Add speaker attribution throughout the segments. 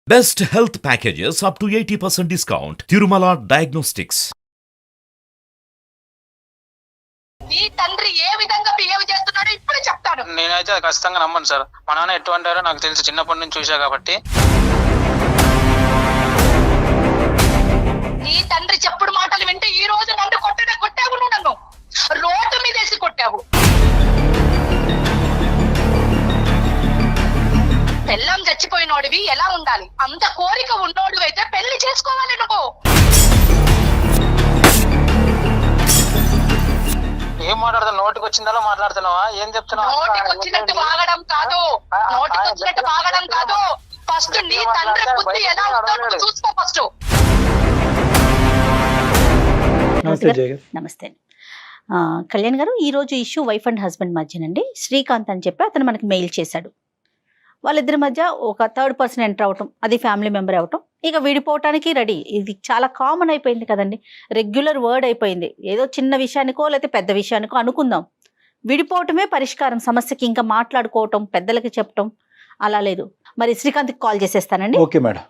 Speaker 1: Best health packages up to 80% discount. Tirumala Diagnostics.
Speaker 2: నీ తండ్రి ఏ విధంగా బిహేవ్ చేస్తున్నాడో ఇప్పుడు చెప్తాను.
Speaker 3: నేనైతే అది ఖచ్చితంగా నమ్మను సార్. మా నాన్న ఎటువంటారో నాకు తెలుసు, చిన్నప్పటి నుంచి చూసా కాబట్టి.
Speaker 2: నీ తండ్రి చెప్పుడు మాటలు వింటే ఈ రోజు నన్ను కొట్టావు, నువ్వు నన్ను రోడ్డు మీద వేసి కొట్టావు. పెళ్ళం చచ్చిపోయినోడివి ఎలా ఉండాలి? అంత కోరిక ఉన్నోడు అయితే పెళ్లి చేసుకోవాలి నువ్వు.
Speaker 3: ఏం మాట్లాడుతున్నావు? నోటికి వచ్చిందో మాట్లాడుతున్నావా? ఏం చెప్తున్నావు?
Speaker 2: నోటికి వచ్చినట్టు వాగడం కాదు, నోటికి వచ్చినట్టు వాగడం కాదు. ఫస్ట్ నీ తండ్రి బుద్ధి ఎలా ఉందో చూసుకో ఫస్ట్.
Speaker 4: నమస్తే కళ్యాణ్ గారు. ఈరోజు ఇష్యూ వైఫ్ అండ్ హస్బెండ్ మధ్యనండి. శ్రీకాంత్ అని చెప్పి అతను మనకి మెయిల్ చేశాడు. వాళ్ళిద్దరి మధ్య ఒక థర్డ్ పర్సన్ ఎంటర్ అవటం, అది ఫ్యామిలీ మెంబర్ అవటం, ఇక విడిపోవటానికి రెడీ. ఇది చాలా కామన్ అయిపోయింది కదండి, రెగ్యులర్ వర్డ్ అయిపోయింది. ఏదో చిన్న విషయానికో లేకపోతే పెద్ద విషయానికో అనుకుందాం, విడిపోవటమే పరిష్కారం సమస్యకి. ఇంకా మాట్లాడుకోవటం, పెద్దలకి చెప్పటం అలా లేదు. మరి శ్రీకాంత్కి కాల్ చేసేస్తానండి.
Speaker 5: Okay madam.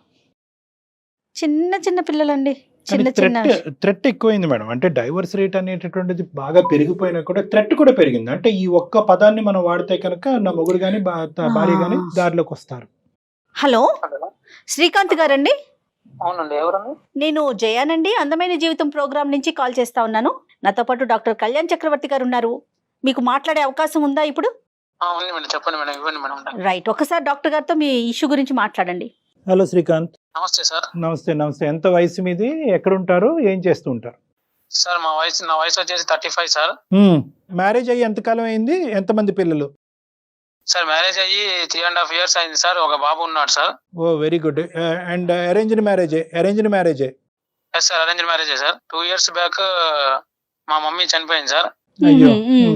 Speaker 4: చిన్న చిన్న పిల్లలండి, చిన్న చిన్న
Speaker 5: థ్రెట్ ఎక్కువైంది మేడం. అంటే డైవర్స్ రేట్ అనేటటువంటిది బాగా పెరిగిపోయినా కూడా థ్రెట్ కూడా పెరిగింది. అంటే ఈ ఒక్క పదాన్ని మనం వాడితే కనుక నా మొగుడు గాని భార్య గాని దారిలోకి వస్తారు.
Speaker 4: హలో శ్రీకాంత్ గారండి?
Speaker 3: అవునండి. ఎవరండి?
Speaker 4: నేను జయానండి, అందమైన జీవితం ప్రోగ్రామ్ నుంచి కాల్ చేస్తా ఉన్నాను. నాతో పాటు డాక్టర్ కళ్యాణ్ చక్రవర్తి గారు ఉన్నారు. మీకు మాట్లాడే అవకాశం ఉందా ఇప్పుడు?
Speaker 3: ఉంది మేడం, చెప్పండి మేడం. ఇవ్వండి మేడం.
Speaker 4: రైట్, ఒకసారి డాక్టర్ గారితో మీ ఇష్యూ గురించి మాట్లాడండి.
Speaker 5: హలో శ్రీకాంత్.
Speaker 3: నమస్తే సార్.
Speaker 5: నమస్తే. నమస్తే. ఎంత వయసు మీది? ఎక్కడ ఉంటారు? ఏం చేస్తూ ఉంటారు?
Speaker 3: సార్ నా వయసు వచ్చేసి 35 సార్.
Speaker 5: మ్యారేజ్ అయ్యి ఎంతకాలం అయింది? ఎంతమంది పిల్లలు?
Speaker 3: సార్ మ్యారేజ్ అయ్యి 3.5 years అయింది సార్. ఒక బాబు ఉన్నాడు sir.
Speaker 5: Oh very good. And arranged మ్యారేజే?
Speaker 3: ఎస్ సార్, అరేంజ్డ్ మ్యారేజే సార్. 2 years బ్యాక్ మా మమ్మీ చనిపోయింది సార్.
Speaker 5: అయ్యో.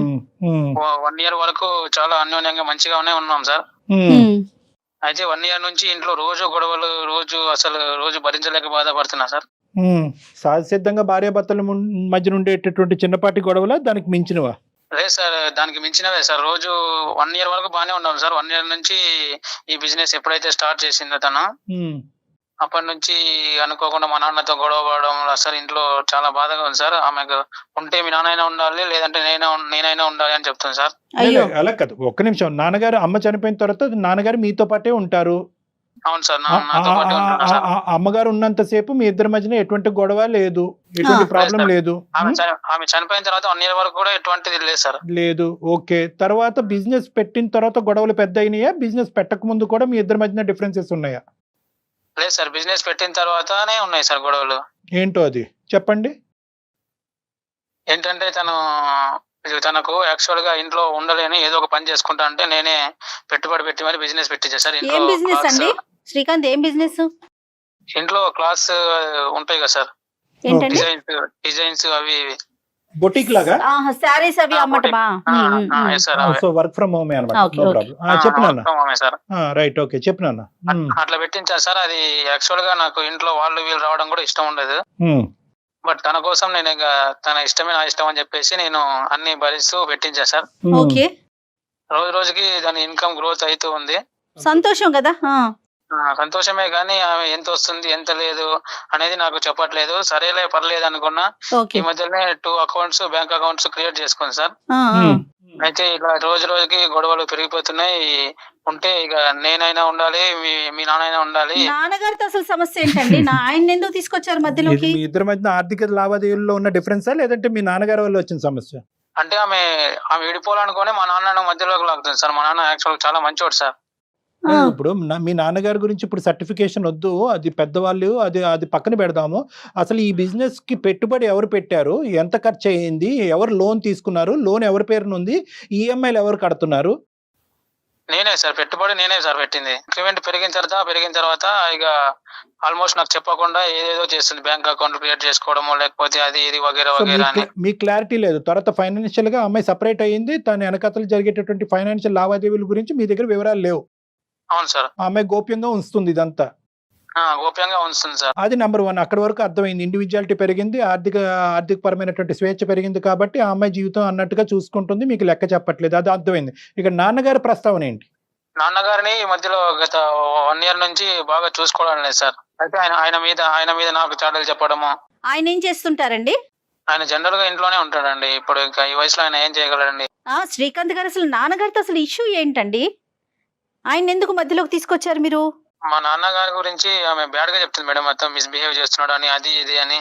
Speaker 3: 1 year వరకు చాలా అన్యోన్యంగా మంచిగానే ఉన్నాం సార్. అయితే 1 year నుంచి ఇంట్లో రోజు గొడవలు, రోజు భరించలేక బాధపడుతున్నా సార్.
Speaker 5: సహజసిద్ధంగా భార్యాభర్తల మధ్య ఉండేటటువంటి చిన్నపాటి గొడవలా, దానికి మించినవా?
Speaker 3: లేదు సార్, దానికి మించినవే సార్. రోజు 1 year వరకు బాగానే ఉన్నాం సార్. 1 year నుంచి ఈ బిజినెస్ ఎప్పుడైతే స్టార్ట్ చేసిందో తను, అప్పటి నుంచి అనుకోకుండా మా నాన్నతో గొడవ పడడం సార్. ఇంట్లో చాలా బాధగా ఉంది సార్. ఆమెకు ఉంటే మీ నాన్నైనా ఉండాలి, లేదంటే నేనైనా ఉండాలి అని చెప్తుంది సార్.
Speaker 5: అలా కాదు, ఒక్క నిమిషం. నాన్నగారు అమ్మ చనిపోయిన తర్వాత నాన్నగారు మీతో పాటే ఉంటారు.
Speaker 3: అవును సార్, నాతో పాటే ఉంటాను సార్.
Speaker 5: అమ్మగారు ఉన్నంతసేపు మీ ఇద్దరి మధ్యన ఎటువంటి గొడవ లేదు, ఎటువంటి ప్రాబ్లం లేదు.
Speaker 3: ఆమె చనిపోయిన తర్వాత 1 year వరకు కూడా ఎటువంటిది లేదు సార్.
Speaker 5: లేదు. ఓకే. తర్వాత బిజినెస్ పెట్టిన తర్వాత గొడవలు పెద్ద అయినాయా? బిజినెస్ పెట్టక ముందు కూడా మీ ఇద్దరి మధ్యన డిఫరెన్సెస్ ఉన్నాయా?
Speaker 3: లేదు సార్, బిజినెస్ పెట్టిన తర్వాతనే ఉన్నాయి సార్ గొడవలు.
Speaker 5: ఏంటో అది చెప్పండి.
Speaker 3: ఏంటంటే తనకు యాక్చువల్ గా ఇంట్లో ఉండలేని ఏదో ఒక పని చేసుకుంటా అంటే నేనే పెట్టుబడి పెట్టి మరి బిజినెస్ పెట్టించా సార్.
Speaker 4: ఏం బిజినెస్ అండి శ్రీకాంత్? ఏం బిజినెస్?
Speaker 3: ఇంట్లో క్లాస్ ఉంటాయి కదా సార్,
Speaker 4: ఏంటండి?
Speaker 3: డిజైన్స్ అవి
Speaker 5: బొటిక్ లాగా
Speaker 4: సారీస్ అవి అమ్మటమా?
Speaker 5: సో వర్క్ ఫ్రమ్ హోమ్ అన్నమాట. No problem. చెప్పినా
Speaker 3: సార్.
Speaker 5: రైట్. ఓకే, చెప్పినా.
Speaker 3: అట్లా పెట్టించా సార్. అది యాక్చువల్ గా నాకు ఇంట్లో వీళ్ళు రావడం కూడా ఇష్టం ఉండదు. బట్ తన కోసం నేను ఇంకా తన ఇష్టమే నా ఇష్టం అని చెప్పేసి నేను అన్ని భరిస్తూ పెట్టించా సార్.
Speaker 4: ఓకే.
Speaker 3: రోజుకి దాని ఇన్కమ్ గ్రోత్ అవుతూ ఉంది.
Speaker 4: సంతోషం కదా?
Speaker 3: సంతోషమే, కానీ ఆమె ఎంత వస్తుంది ఎంత లేదు అనేది నాకు చెప్పట్లేదు. సరేలే పర్లేదు అనుకున్నా. ఈ మధ్యలోనే 2 accounts, బ్యాంక్ అకౌంట్స్ క్రియేట్ చేసుకుంది సార్. అయితే ఇలా రోజుకి గొడవలు పెరిగిపోతున్నాయి. ఉంటే ఇక నేనైనా ఉండాలి, మీ నాన్నైనా ఉండాలి.
Speaker 4: నాన్నగారితో అసలు సమస్య ఏంటండి? ఆయన ఎందుకు తీసుకొచ్చారు మధ్యలోకి?
Speaker 5: మీ ఇద్దరి మధ్య ఆర్థిక లావాదేవీల్లో ఉన్న డిఫరెన్సా, లేదంటే మీ నాన్నగారి వల్ల వచ్చిన సమస్య?
Speaker 3: అంటే ఆమె విడిపోవాలనుకుని మా నాన్న మధ్యలోకి లాగుతుంది సార్. మా నాన్న యాక్చువల్ చాలా మంచోడు సార్.
Speaker 5: ఇప్పుడు మీ నాన్నగారి గురించి ఇప్పుడు సర్టిఫికేషన్ వద్దు, అది పెద్దవాళ్ళు, అది పక్కన పెడదాము. అసలు ఈ బిజినెస్ కి పెట్టుబడి ఎవరు పెట్టారు? ఎంత ఖర్చు అయ్యింది? ఎవరు లోన్ తీసుకున్నారు? లోన్ ఎవరి పేరున ఉంది? ఈఎంఐలు ఎవరు కడుతున్నారు?
Speaker 3: నేనే సార్, పెట్టుబడి నేనే సార్ పెట్టింది. ఇంక్రిమెంట్ పెరిగిన తర్వాత ఇక ఆల్మోస్ట్ నాకు చెప్పకుండా ఏదేదో చేస్తుంది. బ్యాంక్ అకౌంట్ క్రియేట్ చేసుకోవడము, లేకపోతే అది ఇది వగేరా అని.
Speaker 5: మీకు క్లారిటీ లేదు. తర్వాత ఫైనాన్షియల్ గా అమ్మాయి సపరేట్ అయ్యింది. తన వెనకతలు జరిగేటటువంటి ఫైనాన్షియల్ లావాదేవీల గురించి మీ దగ్గర వివరాలు లేవు.
Speaker 3: అవును సార్.
Speaker 5: ఆమె గోప్యంగా ఉంచుతుంది ఇదంతా.
Speaker 3: గోప్యంగా ఉంచుతుంది సార్.
Speaker 5: అది నెంబర్ 1. అక్కడి వరకు అర్థమైంది. ఇండివిజువాలిటీ పెరిగింది, ఆర్థిక పరమైనటువంటి స్వేచ్ఛ పెరిగింది కాబట్టి ఆ అమ్మాయి జీవితం అన్నట్టుగా చూసుకుంటుంది, మీకు లెక్క చెప్పట్లేదు. అది అర్థమైంది. ఇక నాన్నగారి ప్రస్తావన ఏంటి?
Speaker 3: నాన్నగారిని ఈ మధ్యలో గత 1 year నుంచి బాగా చూసుకోవడం లేదు సార్. అయితే ఆయన మీద నాకు చాడలు చెప్పడము.
Speaker 4: ఆయన ఏం చేస్తుంటారండి?
Speaker 3: ఆయన జనరల్ గా ఇంట్లోనే ఉంటాడండి. ఇప్పుడు ఇంకా ఈ వయసులో ఆయన ఏం చేయగలడండి?
Speaker 4: శ్రీకాంత్ గారు అసలు నాన్నగారితో అసలు ఇష్యూ ఏంటండి? ఆయన ఎందుకు మధ్యలోకి తీసుకొచ్చారు మీరు?
Speaker 3: మా నాన్నగారి గురించి ఆమె బ్యాడ్ గా చెప్తుంది మేడం, మొత్తం మిస్బిహేవ్ చేస్తున్నాడు అని, అది ఇది అని.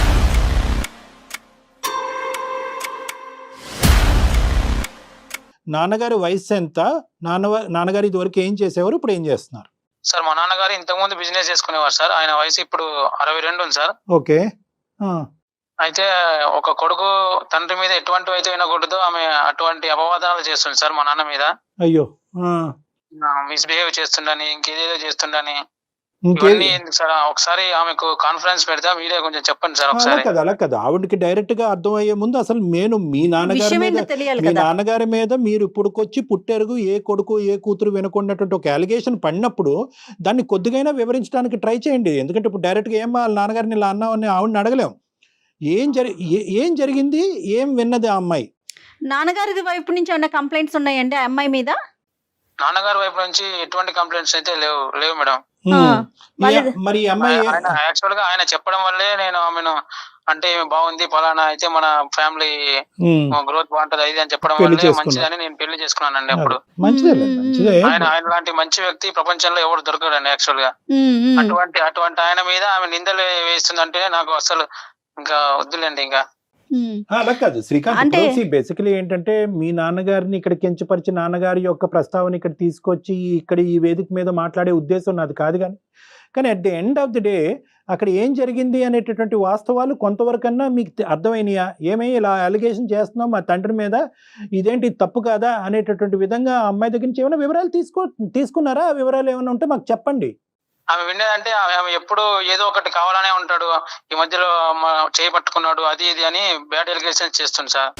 Speaker 5: నాన్నగారి వయసు ఎంత? నాన్నగారు ఇదివరకు ఏం చేసేవారు, ఇప్పుడు ఏం చేస్తున్నారు?
Speaker 3: సార్ మా నాన్నగారు ఇంతకుముందు బిజినెస్ చేసుకునేవారు సార్. ఆయన వయసు ఇప్పుడు 62 ఉంది సార్.
Speaker 5: ఓకే.
Speaker 3: అయితే ఒక కొడుకు తండ్రి మీద ఎటువంటివి అయితే వినకూడదో ఆమె అటువంటి అపవాదాలు చేస్తుంది సార్ మా నాన్న మీద.
Speaker 5: అయ్యో.
Speaker 3: మిస్బిహేవ్ చేస్తుండని, ఇంకేదేదో చేస్తుండని. ఇవన్నీ ఎందుకు సార్? ఒకసారి ఆమెకు కాన్ఫరెన్స్ పెడతా, మీరే కొంచెం చెప్పండి సార్ ఒకసారి.
Speaker 5: అలా కదా, ఆవిడకి డైరెక్ట్ గా అర్థమయ్యే ముందు అసలు మీ నాన్నగారి మీద మీరు ఇప్పుడుకొచ్చి పుట్టెరుగు ఏ కొడుకు ఏ కూతురు వినకున్నటువంటి ఒక అలిగేషన్ పడినప్పుడు దాన్ని కొద్దిగైనా వివరించడానికి ట్రై చేయండి. ఎందుకంటే ఇప్పుడు డైరెక్ట్ గా ఏం వాళ్ళ నాన్నగారిని ఇలా అన్నామని ఆవిడని అడగలేం. ఏం జరిగింది, ఏం విన్నది ఆ అమ్మాయి?
Speaker 4: నాన్నగారి వైపు నుంచి ఏమైనా కంప్లైంట్స్ ఉన్నాయండి ఆ అమ్మాయి మీద?
Speaker 3: నాన్నగారి వైపు నుంచి ఎటువంటి కంప్లైంట్స్ అయితే లేవు మేడం.
Speaker 5: మరి అమ్మాయి
Speaker 3: యాక్చువల్ గా ఆయన చెప్పడం వల్లే నేను ఆమెను, అంటే బాగుంది పలానా అయితే మన ఫ్యామిలీ గ్రోత్ బాగుంటది అది అని చెప్పడం వల్లే మంచిదని నేను పెళ్లి చేసుకున్నానండి. అప్పుడు ఆయన లాంటి మంచి వ్యక్తి ప్రపంచంలో ఎవరు దొరకడండి యాక్చువల్ గా. అటువంటి ఆయన మీద ఆమె నిందలు వేస్తుందంటే నాకు అసలు ఇంకా వద్దులేండి. ఇంకా
Speaker 5: అలా కాదు శ్రీకాంత్, బేసికలీ ఏంటంటే మీ నాన్నగారిని ఇక్కడ కించపరిచి నాన్నగారి యొక్క ప్రస్తావన ఇక్కడ తీసుకొచ్చి ఇక్కడ ఈ వేదిక మీద మాట్లాడే ఉద్దేశం నాది కాదు. కానీ at the end of the day అక్కడ ఏం జరిగింది అనేటటువంటి వాస్తవాలు కొంతవరకన్నా మీకు అర్థమైనయా? ఏమై ఇలా అలిగేషన్ చేస్తున్నాం మా తండ్రి మీద, ఇదేంటి తప్పు కాదా అనేటటువంటి విధంగా అమ్మాయి దగ్గర నుంచి ఏమైనా వివరాలు తీసుకున్నారా? ఆ వివరాలు ఏమైనా ఉంటే మాకు చెప్పండి.
Speaker 3: ఆమె వినేదంటే ఆమె ఎప్పుడు ఏదో ఒకటి కావాలనే ఉంటాడు, ఈ మధ్యలో చేయి పట్టుకున్నాడు అది ఇది అని బ్యాడ్ ఎలిగేషన్స్ చేస్తుంది సార్.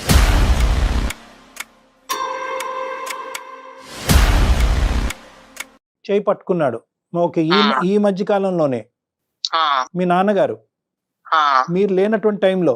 Speaker 5: చేయి పట్టుకున్నాడు. ఓకే. ఈ మధ్య కాలంలోనే మీ నాన్నగారు మీరు లేనటువంటి టైంలో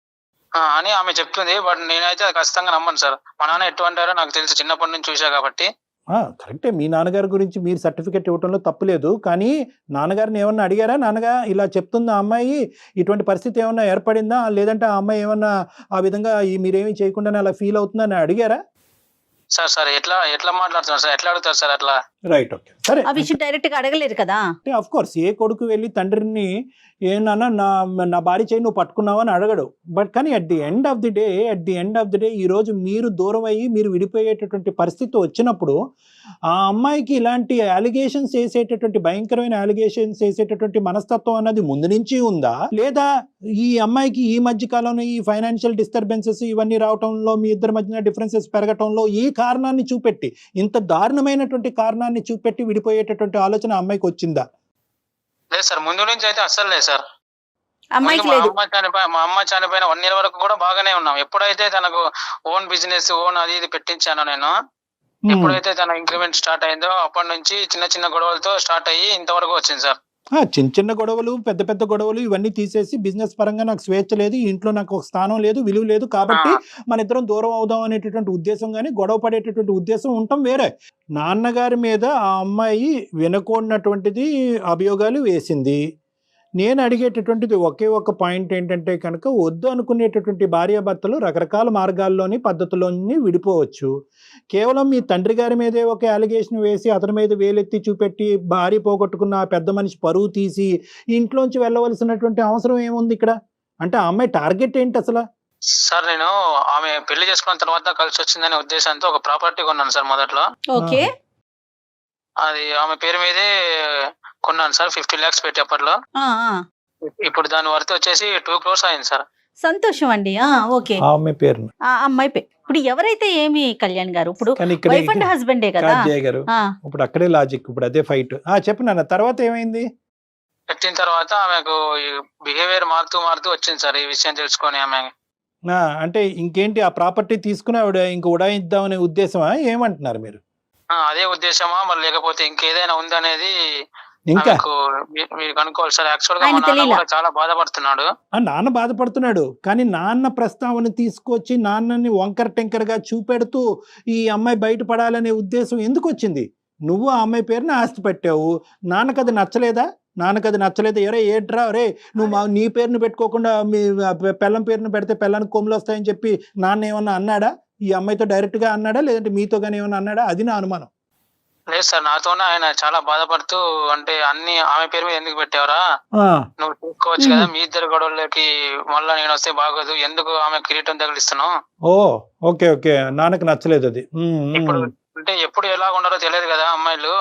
Speaker 3: అని ఆమె చెప్తుంది. బట్ నేనైతే ఖచ్చితంగా నమ్మను సార్. మా నాన్న ఎటువంటారో నాకు తెలుసు, చిన్నప్పటి నుంచి చూసా కాబట్టి.
Speaker 5: కరెక్టే, మీ నాన్నగారి గురించి మీరు సర్టిఫికెట్ ఇవ్వడంలో తప్పులేదు. కానీ నాన్నగారిని ఏమన్నా అడిగారా? నాన్నగా ఇలా చెప్తుందా అమ్మాయి, ఇటువంటి పరిస్థితి ఏమన్నా ఏర్పడిందా, లేదంటే ఆ అమ్మాయి ఏమన్నా ఆ విధంగా మీరేమీ చేయకుండానే అలా ఫీల్ అవుతుందని అడిగారా?
Speaker 3: సార్ ఎట్లా మాట్లాడుతున్నారు సార్, ఎట్లా అడుగుతారు సార్ అట్లా?
Speaker 5: రైట్, ఓకే, సరే.
Speaker 4: ఆ విషయం డైరెక్ట్ గా అడగలేరు కదా.
Speaker 5: ఆఫ్ కోర్స్ ఏ కొడుకు వెళ్ళి తండ్రిని ఏమన్నా నా భార్య చేయి నువ్వు పట్టుకున్నావు అని అడగడు. బట్ కానీ at the end of the day ఈ రోజు మీరు దూరం అయ్యి మీరు విడిపోయేటటువంటి పరిస్థితి వచ్చినప్పుడు ఆ అమ్మాయికి ఇలాంటి అలిగేషన్స్ వేసేటటువంటి భయంకరమైన అలిగేషన్స్ వేసేటటువంటి మనస్తత్వం అన్నది ముందు నుంచి ఉందా, లేదా ఈ అమ్మాయికి ఈ మధ్య కాలంలో ఈ ఫైనాన్షియల్ డిస్టర్బెన్సెస్ ఇవన్నీ రావటంలో మీ ఇద్దరి మధ్యన డిఫరెన్సెస్ పెరగటంలో ఈ కారణాన్ని చూపెట్టి, ఇంత దారుణమైనటువంటి కారణాన్ని చూపెట్టి విడిపోయేటటువంటి ఆలోచన అమ్మాయికి వచ్చిందా?
Speaker 3: లేదు సార్, ముందు నుంచి అయితే అస్సలు లేదు సార్.
Speaker 4: మా
Speaker 3: అమ్మ చనిపోయిన 1 year వరకు కూడా బాగానే ఉన్నాం. ఎప్పుడైతే తనకు ఓన్ బిజినెస్ అది ఇది పెట్టించానో నేను, ఎప్పుడైతే తన ఇంక్రిమెంట్ స్టార్ట్ అయిందో అప్పటి నుంచి చిన్న చిన్న గొడవలతో స్టార్ట్ అయ్యి ఇంతవరకు వచ్చింది సార్.
Speaker 5: చిన్న గొడవలు పెద్ద గొడవలు ఇవన్నీ తీసేసి బిజినెస్ పరంగా నాకు స్వేచ్ఛ లేదు, ఇంట్లో నాకు ఒక స్థానం లేదు, విలువ లేదు, కాబట్టి మన ఇద్దరం దూరం అవుదాం అనేటటువంటి ఉద్దేశం కానీ గొడవ పడేటటువంటి ఉద్దేశం ఉండటం వేరే. నాన్నగారి మీద ఆ అమ్మాయి వినకూడనటువంటిది అభియోగాలు వేసింది. నేను అడిగేటటువంటిది ఒకే ఒక పాయింట్ ఏంటంటే కనుక, వద్దు అనుకునేటటువంటి భార్యాభర్తలు రకరకాల మార్గాల్లోని పద్ధతుల్లోని విడిపోవచ్చు. కేవలం మీ తండ్రి గారి మీదే ఒక అలిగేషన్ వేసి అతని మీద వేలెత్తి చూపెట్టి భార్య పోగొట్టుకున్న ఆ పెద్ద మనిషి పరువు తీసి ఇంట్లోంచి వెళ్ళవలసినటువంటి అవసరం ఏముంది ఇక్కడ? అంటే ఆ అమ్మాయి టార్గెట్ ఏంటి అసలు?
Speaker 3: సార్ నేను ఆమె పెళ్లి చేసుకున్న తర్వాత కలిసి వచ్చిందనే ఉద్దేశంతో ఒక ప్రాపర్టీ కొన్నాను సార్ మొదట్లో.
Speaker 4: ఓకే.
Speaker 3: అది ఆమె పేరు మీదే కొన్నాను సార్, 50 lakhs పెట్టి అప్పట్లో. ఇప్పుడు దాని వర్త్ వచ్చేసి 2 crores అయింది సార్.
Speaker 4: సంతోషం అండి. ఓకే.
Speaker 5: అమ్మాయి పేరు
Speaker 4: అమ్మాయి పేరు ఇప్పుడు ఎవరైతే ఏమి కళ్యాణ్ గారు ఇప్పుడు వైఫ్ అండ్ హస్బెండే కదా
Speaker 5: గారు. ఇప్పుడు అక్కడే లాజిక్, ఇప్పుడు అదే ఫైట్. చెప్పు నాన్న, తర్వాత ఏమైంది?
Speaker 3: పెట్టిన తర్వాత ఆమెకు బిహేవియర్ మారుతూ వచ్చింది సార్. ఈ విషయం తెలుసుకొని ఆమె
Speaker 5: అంటే ఇంకేంటి, ఆ ప్రాపర్టీ తీసుకుని ఆవిడ ఇంక ఉడాయిద్దామనే ఉద్దేశమా? ఏమంటున్నారు మీరు?
Speaker 3: అదే ఉద్దేశమా మరి లేకపోతే ఇంకేదైనా ఉందనేది
Speaker 5: ఇంకా
Speaker 3: మీరు కనుక్కోవాలి సార్. యాక్చువల్ గా మా నాన్న కూడా చాలా బాధపడుతున్నాడు.
Speaker 5: నాన్న బాధపడుతున్నాడు, కానీ నాన్న ప్రస్తావన తీసుకొచ్చి నాన్నని వంకర టెంకర్ గా చూపెడుతూ ఈ అమ్మాయి బయటపడాలనే ఉద్దేశం ఎందుకు వచ్చింది? నువ్వు ఆ అమ్మాయి పేరున ఆస్తి పెట్టావు, నాన్నకు అది నచ్చలేదా? ఎరే ఏట్రా రే నువ్వు నీ పేరును పెట్టుకోకుండా మీ పెళ్ళం పేరును పెడితే పెళ్ళానికి కొమ్ములు వస్తాయని చెప్పి నాన్న ఏమన్నా అన్నాడా? ఈ అమ్మాయితో డైరెక్ట్గా అన్నాడా, లేదంటే మీతో కానీ ఏమన్నా అన్నాడా? అది నా అనుమానం.
Speaker 3: లేదు సార్, నాతోనే ఆయన చాలా బాధపడుతూ, అంటే అన్ని ఆమె పేరు మీద ఎందుకు పెట్టావరా, నువ్వు చూసుకోవచ్చు కదా, మీ ఇద్దరు గొడవలకి మళ్ళా నేను వస్తే బాగోదు, ఎందుకు ఆమె కిరీటం తగిలిస్తున్నావు.
Speaker 5: ఓ ఓకే ఓకే, నాన్నకు నచ్చలేదు అది.
Speaker 3: ఇప్పుడు అంటే ఎప్పుడు ఎలా ఉండాలో తెలియదు కదా అమ్మాయిలు,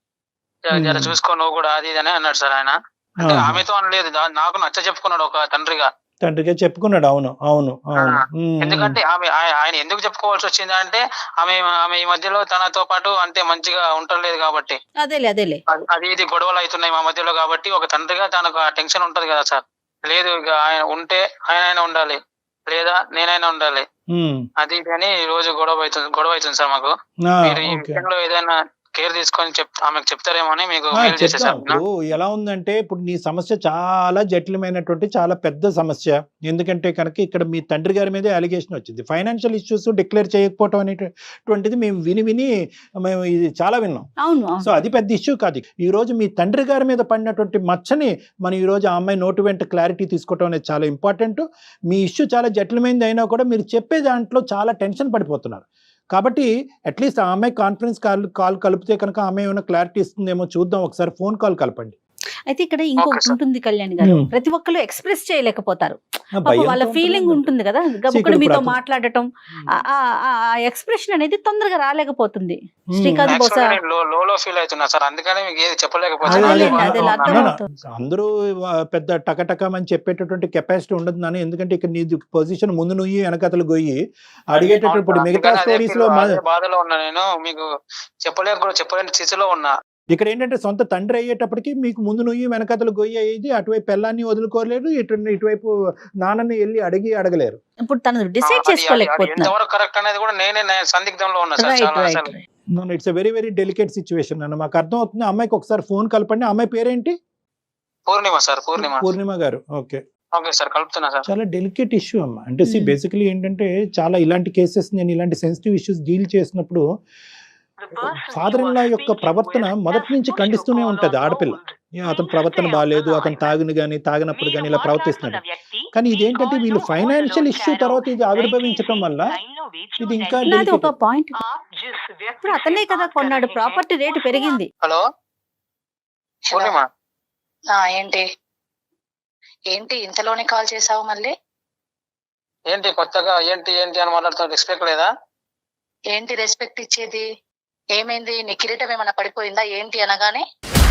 Speaker 3: జర చూసుకో నువ్వు కూడా, అది ఇది అని అన్నాడు సార్ ఆయన. అంటే ఆమెతో అనలేదు, నాకు నచ్చ చెప్పుకున్నాడు ఒక తండ్రిగా
Speaker 5: చెప్పుకున్నాడు. అవును అవును అవును.
Speaker 3: ఎందుకంటే ఆయన ఎందుకు చెప్పుకోవాల్సి వచ్చింది అంటే, ఆమె ఈ మధ్యలో తనతో పాటు అంటే మంచిగా ఉండలేదు కాబట్టి, అది ఇది గొడవలు అవుతున్నాయి మా మధ్యలో కాబట్టి, ఒక తండ్రిగా తనకు ఆ టెన్షన్ ఉంటది కదా సార్. లేదు ఇక ఆయన ఉంటే ఆయన ఉండాలి, లేదా నేనైనా ఉండాలి, అది ఇది అని ఈ రోజు గొడవ అవుతుంది సార్ మాకు. మీరు ఈ విషయంలో ఏదైనా కేర్ తీసుకొని ఆమెకు చెప్తారేమో అని మీకు మెయిల్ చేసేసాను.
Speaker 5: ఇప్పుడు ఎలా ఉందంటే, ఇప్పుడు నీ సమస్య చాలా జటిలమైనటువంటి చాలా పెద్ద సమస్య. ఎందుకంటే కనుక ఇక్కడ మీ తండ్రి గారి మీదే అలిగేషన్ వచ్చింది. ఫైనాన్షియల్ ఇష్యూస్ డిక్లేర్ చేయకపోవటం అనేటువంటిది మేము మేము ఇది చాలా విన్నాం. సో అది పెద్ద ఇష్యూ కాదు. ఈ రోజు మీ తండ్రి గారి మీద పడినటువంటి మచ్చని మనం ఈ రోజు ఆ అమ్మాయి నోటి వెంట క్లారిటీ తీసుకోవటం అనేది చాలా ఇంపార్టెంట్. మీ ఇష్యూ చాలా జటిలమైనది అయినా కూడా మీరు చెప్పే దాంట్లో చాలా టెన్షన్ పడిపోతున్నారు. కాబట్టి అట్లీస్ట్ ఆ అమ్మాయి కాన్ఫరెన్స్ కాల్ కలిపితే కనుక ఆమె ఏమైనా క్లారిటీ ఇస్తుందేమో చూద్దాం. ఒకసారి ఫోన్ కాల్ కలపండి.
Speaker 4: అయితే ఇక్కడ ఇంకొకటి ఉంటుంది కళ్యాణ్ గారు, ప్రతి ఒక్కరు ఎక్స్ప్రెస్ చేయలేకపోతారు. వాళ్ళ ఫీలింగ్ ఉంటుంది కదా, గబుక్కుడు మీతో మాట్లాడటం, ఆ ఎక్స్ప్రెషన్ అనేది తొందరగా రాలేకపోతుంది. శ్రీకాంత్ బహుశా
Speaker 3: లో ఫీల్ అవుతున్నా సార్, అందుకని మీకు ఏది చెప్పలేకపోతున్నా.
Speaker 5: అందరూ పెద్ద టకటకమని చెప్పేటటువంటి కెపాసిటీ ఉండదు నాన్న. ఎందుకంటే ఇక్కడ నీ పొజిషన్ ముందు నువ్వు వెనకతలు గొయ్యి అడిగేటప్పుడు మిగతా స్టోరీస్ లో
Speaker 3: బాధలో ఉన్నా నేను, మీకు చెప్పలేని స్థితిలో ఉన్నా.
Speaker 5: ఇక్కడ ఏంటంటే సొంత తండ్రి అయ్యేటప్పటికి మీకు ముందు నుయ్యి వెనకతలు గొయ్యి అయ్యేది, అటువైపు పెళ్ళాన్ని వదులుకోలేరు, ఇటువైపు నాన్నని వెళ్ళి అడగలేరు.
Speaker 4: ఇప్పుడు తను డిసైడ్ చేసుకోలేకపోతున్నారు.
Speaker 3: కరెక్ట్ అనేది కూడా నేనే సందిగ్ధంలో ఉన్నా sir.
Speaker 5: It's very very delicate situation అన్న, మాకు అర్థం అవుతుంది. అమ్మాయికి ఒకసారి ఫోన్ కలపండి. అమ్మాయి పేరేంటి?
Speaker 3: పూర్ణిమ సార్.
Speaker 5: పూర్ణిమ గారు. ఓకే
Speaker 3: ఓకే సార్, కలుపుతున్నా సార్.
Speaker 5: చాలా డెలికేట్ ఇష్యూ అమ్మ. అంటే బేసికలీ ఏంటంటే చాలా ఇలాంటి కేసెస్, నేను ఇలాంటి సెన్సిటివ్ ఇష్యూస్ డీల్ చేసినప్పుడు ఫాదర్ ఇన్ లా యొక్క ప్రవర్తన మొదటి నుంచి ఖండిస్తూనే ఉంటది ఆడపిల్ల. అతని ప్రవర్తన బాగాలేదు, అతను తాగినప్పుడు కానీ ఇలా ప్రవర్తిస్తున్నాడు. కానీ ఇదేంటంటే వీళ్ళు ఫైనాన్షియల్ ఇష్యూ తర్వాత ఇది ఆవిర్భవించడం వల్ల ఇది ఇంకా
Speaker 4: ఒక పాయింట్. ఇప్పుడు అతనే కదా కొన్నాడు, ప్రాపర్టీ రేటు పెరిగింది.
Speaker 3: హలో పూర్ణిమ,
Speaker 2: ఏంటి ఇంతలోనే కాల్ చేసావు మళ్ళీ?
Speaker 3: ఏంటి కొత్తగా ఏంటి అని మాట్లాడుతున్నా, రెస్పెక్ట్ లేదా?
Speaker 2: ఏంటి రెస్పెక్ట్ ఇచ్చేది? ఏమైంది? నీ కిరీటం ఏమైనా పడిపోయిందా ఏంటి అనగానే?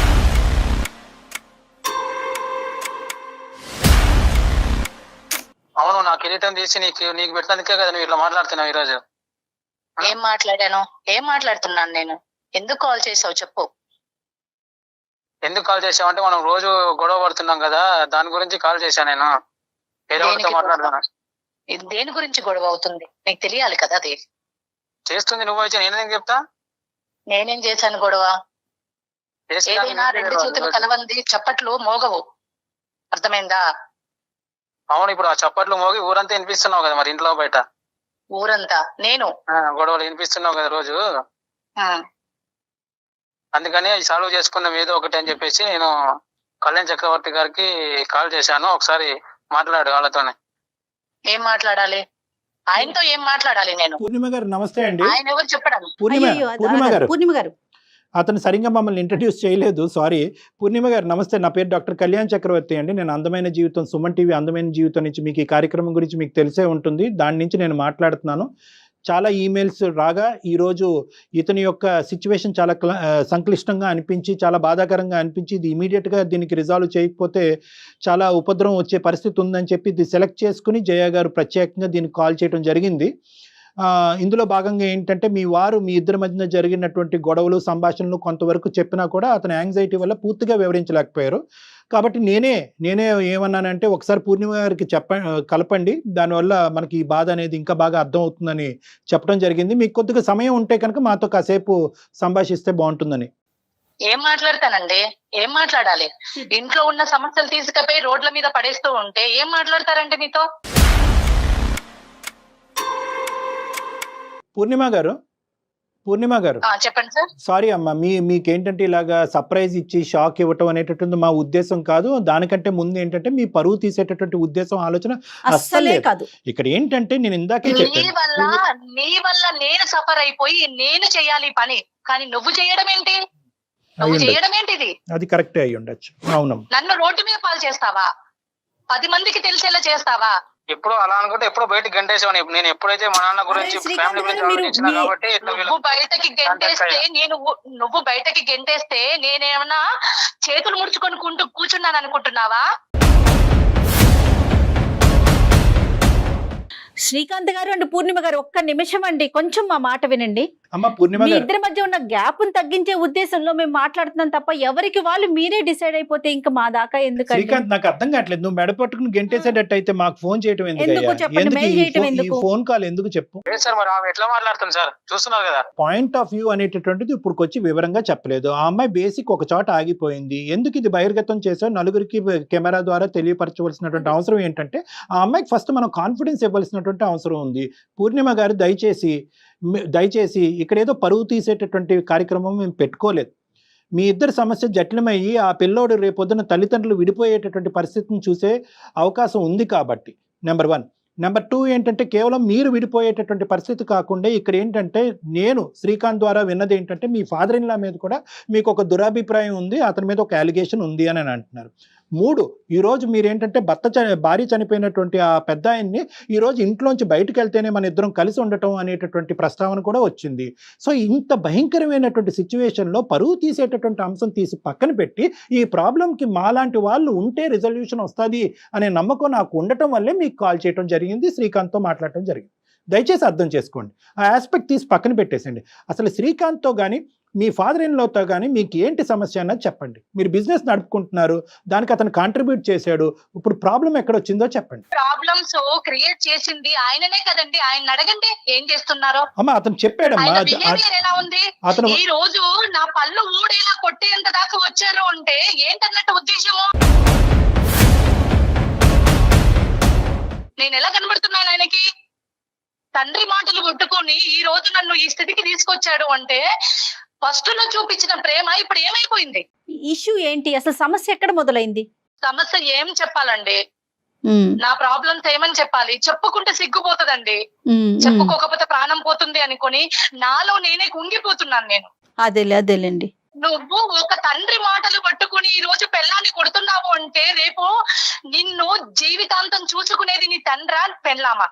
Speaker 3: అవును, నా కిరీటం తీసి నీకు పెట్టినందుకే కదా నువ్వు ఇట్లా మాట్లాడుతున్నావు ఈ రోజు.
Speaker 2: ఏం మాట్లాడుతున్నాను నేను? ఎందుకు కాల్ చేసావు చెప్పు.
Speaker 3: ఎందుకు కాల్ చేసావు అంటే, మనం రోజు గొడవ పడుతున్నాం కదా, దాని గురించి కాల్ చేశాను నేను. మాట్లాడుతున్నా.
Speaker 2: దేని గురించి గొడవ అవుతుంది నీకు తెలియాలి కదా. అది
Speaker 3: చేస్తుంది నువ్వు అయితే నేనేం చెప్తా?
Speaker 2: నేనేం చేశాను గొడవ? ఏదైనా రెండు చేతులు కలవంది చప్పట్లు మోగవు, అర్థమైందా?
Speaker 3: అవును, ఇప్పుడు ఆ చప్పట్లు మోగి ఊరంతా వినిపిస్తున్నావు కదా, మరి ఇంట్లో బయట
Speaker 2: ఊరంతా నేను
Speaker 3: గొడవలు వినిపిస్తున్నావు కదా రోజు. అందుకని సాల్వ్ చేసుకున్నాం ఏదో ఒకటి అని చెప్పేసి నేను కళ్యాణ్ చక్రవర్తి గారికి కాల్ చేశాను. ఒకసారి మాట్లాడు వాళ్ళతోనే.
Speaker 2: ఏం మాట్లాడాలి? ఆయనతో ఏం మాట్లాడాలి నేను?
Speaker 5: పూర్ణిమ గారు నమస్తే అండి.
Speaker 2: ఆయన ఎవరు చెప్పడానికి?
Speaker 5: పూర్ణిమ గారు అతను సరిగ్గా మమ్మల్ని ఇంట్రడ్యూస్ చేయలేదు, సారీ. పూర్ణిమ గారు నమస్తే, నా పేరు డాక్టర్ కళ్యాణ్ చక్రవర్తి అండి. నేను అందమైన జీవితం, సుమన్ టీవీ అందమైన జీవితం నుంచి మీకు ఈ కార్యక్రమం గురించి మీకు తెలిసే ఉంటుంది, దాని నుంచి నేను మాట్లాడుతున్నాను. చాలా ఈమెయిల్స్ రాగా ఈరోజు ఇతని యొక్క సిచ్యువేషన్ చాలా సంక్లిష్టంగా అనిపించి, చాలా బాధాకరంగా అనిపించి, ఇది ఇమీడియట్గా దీనికి రిజాల్వ్ చేయకపోతే చాలా ఉపద్రవం వచ్చే పరిస్థితి ఉందని చెప్పి ఇది సెలెక్ట్ చేసుకుని జయ గారు ప్రత్యేకంగా దీనికి కాల్ చేయడం జరిగింది. ఇందులో భాగంగా ఏంటంటే, మీ ఇద్దరి మధ్యన జరిగినటువంటి గొడవలు సంభాషణలు కొంతవరకు చెప్పినా కూడా అతని యాంగ్జైటీ వల్ల పూర్తిగా వివరించలేకపోయారు. కాబట్టి నేనే ఏమన్నానంటే, ఒకసారి పూర్ణిమ గారికి కలపండి, దానివల్ల మనకి ఈ బాధ అనేది ఇంకా బాగా అర్థం అవుతుందని చెప్పడం జరిగింది. మీకు కొద్దిగా సమయం ఉంటే కనుక మాతో కాసేపు సంభాషిస్తే బాగుంటుందని.
Speaker 2: ఏం మాట్లాడతానండి? ఏం మాట్లాడాలి? ఇంట్లో ఉన్న సమస్యలు తీసుకుపోయి రోడ్ల మీద పడేస్తూ ఉంటే ఏం మాట్లాడతారండి మీతో?
Speaker 5: పూర్ణిమ పూర్ణిమ గారు
Speaker 2: చెప్పండి సార్.
Speaker 5: సారీ అమ్మా, మీకేంటంటే ఇలాగా సర్ప్రైజ్ ఇచ్చి షాక్ ఇవ్వటం అనేటటువంటి మా ఉద్దేశం కాదు. దానికంటే ముందు ఏంటంటే మీ పరువు తీసేటటువంటి ఉద్దేశం ఆలోచన
Speaker 4: అస్సలే కాదు.
Speaker 5: ఇక్కడ ఏంటంటే నేను ఇందాకే
Speaker 2: నీ వల్ల నేను సఫర్ అయిపోయి నేను చేయాలి పని, కానీ నువ్వు చేయడం ఏంటి? నువ్వు చేయడం ఏంటిది?
Speaker 5: అది కరెక్టే అయ్యి ఉండొచ్చు. అవునమ్మా.
Speaker 2: నన్ను రోడ్డు మీద పాలు చేస్తావా? 10 మందికి తెలిసేలా చేస్తావా?
Speaker 3: ఎప్పుడు అలా అనుకుంటే ఎప్పుడు బయటకు గంటేసాను. నేను ఎప్పుడైతే మా నాన్న గురించి ఫ్యామిలీ గురించి ఆలోచించినా కాబట్టి
Speaker 2: నువ్వు బయటకి గెంటేస్తే నేనేమన్నా చేతులు ముడుచుకొని కూర్చున్నాను అనుకుంటున్నావా?
Speaker 4: శ్రీకాంత్ గారు అండ్ పూర్ణిమ గారు ఒక్క నిమిషం అండి, కొంచెం మా మాట వినండి.
Speaker 5: అమ్మ పూర్ణిమ
Speaker 4: మీ
Speaker 5: గారు,
Speaker 4: ఇద్దరి మధ్య ఉన్న గ్యాప్ తగ్గించే ఉద్దేశంలో మేము మాట్లాడుతున్నాం తప్ప ఎవరికి వాళ్ళు మీరే డిసైడ్ అయిపోతే ఇంకా మా దాకా ఎందుకండి?
Speaker 5: శ్రీకాంత్ నాకు అర్థం కావట్లేదు. నువ్వు మెడ పట్టుకుని గెంటేసేటట్టు అయితే మాకు ఫోన్ చేయడం
Speaker 4: ఎందుకు చెప్పండి, మెయిల్ చేయడం ఎందుకు?
Speaker 5: ఫోన్ కాల్ ఎందుకు చెప్పు.
Speaker 3: సార్ మరి ఆమె ఎట్లా మాట్లాడుతుంది సార్, చూస్తున్నారు కదా.
Speaker 5: పాయింట్ ఆఫ్ వ్యూ అనేటటువంటిది ఇప్పుడు వచ్చి వివరంగా చెప్పలేదు. ఆ అమ్మాయి బేసిక్ ఒక చోట ఆగిపోయింది. ఎందుకు ఇది బహిర్గతం చేసో నలుగురికి కెమెరా ద్వారా తెలియపరచవలసినటువంటి అవసరం ఏంటంటే ఆ అమ్మాయికి ఫస్ట్ మనం కాన్ఫిడెన్స్ ఇవ్వాల్సినటువంటి అవసరం ఉంది. పూర్ణిమ గారు దయచేసి ఇక్కడ ఏదో పరువు తీసేటటువంటి కార్యక్రమం మేము పెట్టుకోలేదు. మీ ఇద్దరి సమస్య జటిలమయ్యి ఆ పిల్లోడు రేపొద్దున తల్లిదండ్రులు విడిపోయేటటువంటి పరిస్థితిని చూసే అవకాశం ఉంది కాబట్టి నెంబర్ 1. నెంబర్ 2 ఏంటంటే కేవలం మీరు విడిపోయేటటువంటి పరిస్థితి కాకుండా ఇక్కడ ఏంటంటే నేను శ్రీకాంత్ ద్వారా విన్నది ఏంటంటే మీ ఫాదర్ ఇన్ లా మీద కూడా మీకు ఒక దురాభిప్రాయం ఉంది, అతని మీద ఒక అలిగేషన్ ఉంది అని అంటున్నారు. 3, ఈరోజు మీరేంటంటే భార్య చనిపోయినటువంటి ఆ పెద్ద ఆయన్ని ఈరోజు ఇంట్లోంచి బయటకు వెళ్తేనే మన ఇద్దరం కలిసి ఉండటం అనేటటువంటి ప్రస్తావన కూడా వచ్చింది. సో ఇంత భయంకరమైనటువంటి సిచ్యువేషన్లో పరువు తీసేటటువంటి అంశం తీసి పక్కన పెట్టి ఈ ప్రాబ్లంకి మాలాంటి వాళ్ళు ఉంటే రిజల్యూషన్ వస్తుంది అనే నమ్మకం నాకు ఉండటం వల్లే మీకు కాల్ చేయడం జరిగింది, శ్రీకాంత్తో మాట్లాడటం జరిగింది. దయచేసి అర్థం చేసుకోండి. ఆ ఆస్పెక్ట్ తీసి పక్కన పెట్టేసండి. అసలు శ్రీకాంత్తో కానీ మీ ఫాదర్ ఇన్ లాతో కానీ మీకు ఏంటి సమస్య అన్నది చెప్పండి. మీరు బిజినెస్ నడుపుకుంటున్నారు, దానికి అతను కాంట్రిబ్యూట్ చేశాడు, ఇప్పుడు ప్రాబ్లం ఎక్కడ వచ్చిందో చెప్పండి.
Speaker 2: ప్రాబ్లమ్స్ క్రియేట్ చేసింది ఆయననే కదండి, ఆయన అడగండి ఏం చేస్తున్నారో.
Speaker 5: అమ్మా అతను చెప్పాడమ్మా.
Speaker 2: ఎలా ఉంది
Speaker 5: అతను
Speaker 2: ఈ రోజు నా పళ్ళు ఊడేలా కొట్టేంత దాకా వచ్చారు అంటే ఏంటన్నట్టు ఉద్దేశము? నేను ఎలా కనబడుతున్నాను ఆయనకి? తండ్రి మాటలు కొట్టుకొని ఈ రోజు నన్ను ఈ స్థితికి తీసుకొచ్చాడు అంటే ఫస్ట్ లో చూపించిన ప్రేమ ఇప్పుడు ఏమైపోయింది?
Speaker 4: ఇష్యూ ఏంటి అసలు? సమస్య ఎక్కడ మొదలైంది?
Speaker 2: సమస్య ఏం చెప్పాలండి? నా ప్రాబ్లమ్స్ ఏమని చెప్పాలి? చెప్పుకుంటే సిగ్గుపోతుందండి, చెప్పుకోకపోతే ప్రాణం పోతుంది అనుకొని నాలో నేనే కుంగిపోతున్నాను నేను.
Speaker 4: అదేలేండి.
Speaker 2: నువ్వు ఒక తండ్రి మాటలు పట్టుకుని ఈ రోజు పెళ్ళాన్ని కొడుతున్నావు అంటే రేపు నిన్ను జీవితాంతం చూసుకునేది నీ తండ్రా పెళ్ళామా?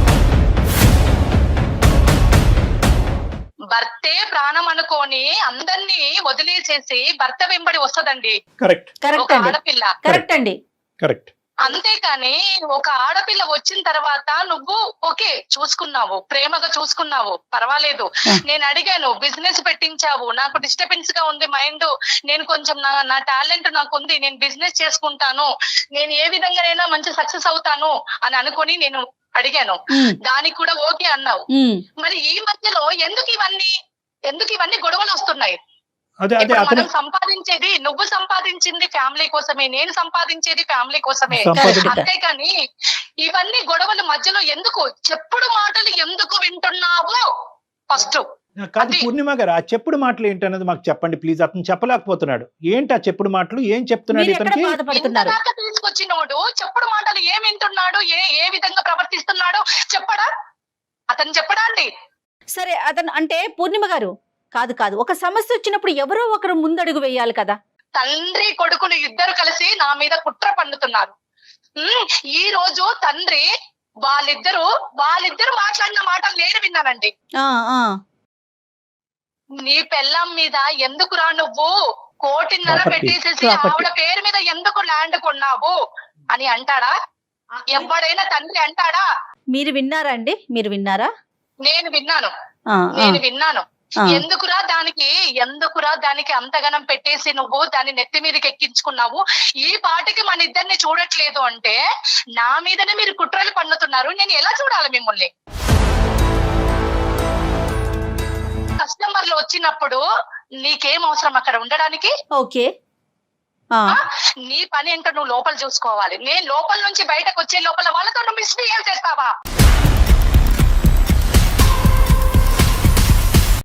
Speaker 2: భర్తే ప్రాణం అనుకోని అందరినీ వదిలేసేసి భర్త వెంబడి వస్తదండి ఒక ఆడపిల్ల.
Speaker 4: కరెక్ట్ అండి.
Speaker 5: కరెక్ట్.
Speaker 2: అంతేకాని ఒక ఆడపిల్ల వచ్చిన తర్వాత నువ్వు ఓకే చూసుకున్నావు, ప్రేమగా చూసుకున్నావు, పర్వాలేదు. నేను అడిగాను, బిజినెస్ పెట్టించావు, నాకు డిస్టర్బెన్స్ గా ఉంది మైండ్, నేను కొంచెం నా టాలెంట్ నాకు ఉంది, నేను బిజినెస్ చేసుకుంటాను, నేను ఏ విధంగానైనా మంచి సక్సెస్ అవుతాను అని అనుకుని నేను అడిగాను. దానికి కూడా ఓకే అన్నావు. మరి ఈ మధ్యలో ఎందుకు ఇవన్నీ గొడవలు వస్తున్నాయి? మనం సంపాదించేది, నువ్వు సంపాదించింది ఫ్యామిలీ కోసమే, నేను సంపాదించేది ఫ్యామిలీ కోసమే. అంతేకాని ఇవన్నీ గొడవల మధ్యలో ఎందుకు? చెప్పుడు మాటలు ఎందుకు వింటున్నావు ఫస్ట్?
Speaker 5: కాదు పూర్ణిమ గారు, ఆ చెప్పుడు మాటలు ఏంటన్నది మాకు చెప్పండి ప్లీజ్. అతను చెప్పలేకపోతున్నాడు. ఏంటి ఆ చెప్పుడు మాటలు? ఏం చెప్తున్నాడు ఇతనికి?
Speaker 2: తీసుకొచ్చినోడు చెప్పుడు మాటలు ఏం వింటున్నాడు, ఏ విధంగా ప్రవర్తిస్తున్నాడు చెప్పడా? అతను చెప్పడా అండి?
Speaker 4: సరే అతను అంటే పూర్ణిమ గారు కాదు, ఒక సమస్య వచ్చినప్పుడు ఎవరో ఒకరు ముందడుగు వేయాలి కదా.
Speaker 2: తండ్రి కొడుకులు ఇద్దరు కలిసి నా మీద కుట్ర పన్నుతున్నారు. ఈ రోజు తండ్రి వాళ్ళిద్దరు మాట్లాడిన మాటలు నేను విన్నానండి. నీ పెళ్ళాం మీద ఎందుకురా నువ్వు 1.5 కోటి పెట్టేసేసి ఆవిడ పేరు మీద ఎందుకు ల్యాండ్ కొన్నావు అని అంటాడా? ఎవడైనా తండ్రి అంటాడా?
Speaker 4: మీరు విన్నారా అండి? మీరు విన్నారా?
Speaker 2: నేను విన్నాను. ఎందుకురా దానికి అంతగనం పెట్టేసి నువ్వు దాన్ని నెత్తి మీదకి ఎక్కించుకున్నావు? ఈ పాటికి మన ఇద్దరిని చూడట్లేదు అంటే నా మీదనే మీరు కుట్రలు పన్నుతున్నారు. నేను ఎలా చూడాలి మిమ్మల్ని? కస్టమర్లు వచ్చినప్పుడు నీకేం అవసరం అక్కడ ఉండడానికి?
Speaker 4: ఓకే,
Speaker 2: నీ పని ఏంటో నువ్వు లోపల చూసుకోవాలి. నేను లోపల నుంచి బయటకు వచ్చే లోపల వాళ్ళతో నువ్వు మిస్బిహేవ్ చేస్తావా?